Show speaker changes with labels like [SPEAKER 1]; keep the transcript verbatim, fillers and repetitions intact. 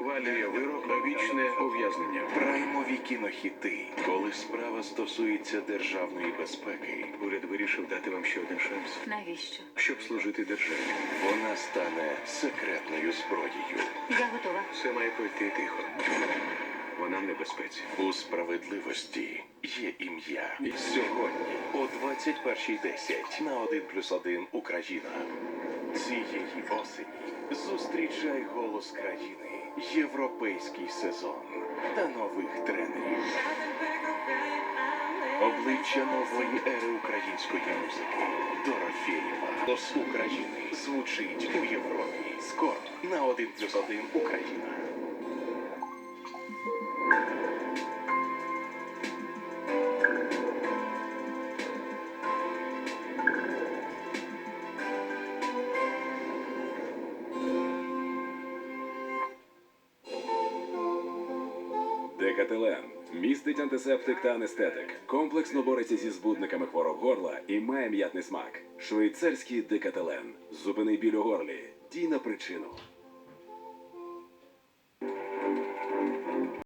[SPEAKER 1] ухвалює вирок на вічне ув'язнення.
[SPEAKER 2] Праймові кінохіти. Коли справа стосується державної безпеки,
[SPEAKER 1] Уряд вирішив дати вам ще один шанс,
[SPEAKER 3] Навіщо?
[SPEAKER 1] щоб служити державі.
[SPEAKER 2] вона стане секретною зброєю.
[SPEAKER 3] Я готова.
[SPEAKER 1] Все має пройти тихо. Вона в небезпеці.
[SPEAKER 2] У справедливості є ім'я. І сьогодні о двадцять першій десять на один плюс один Україна. Цієї осені зустрічай голос країни, європейський сезон та нових тренерів. Обличчя нової ери української музики. Дорофєєва. Голос України звучить у Європі. Скоро на один плюс один Україна.
[SPEAKER 4] Декателен містить антисептик та анестетик. Комплексно бореться зі збудниками хвороб горла і має м'ятний смак. Швейцарський Декателен. Зупини біль у горлі. Дій на причину.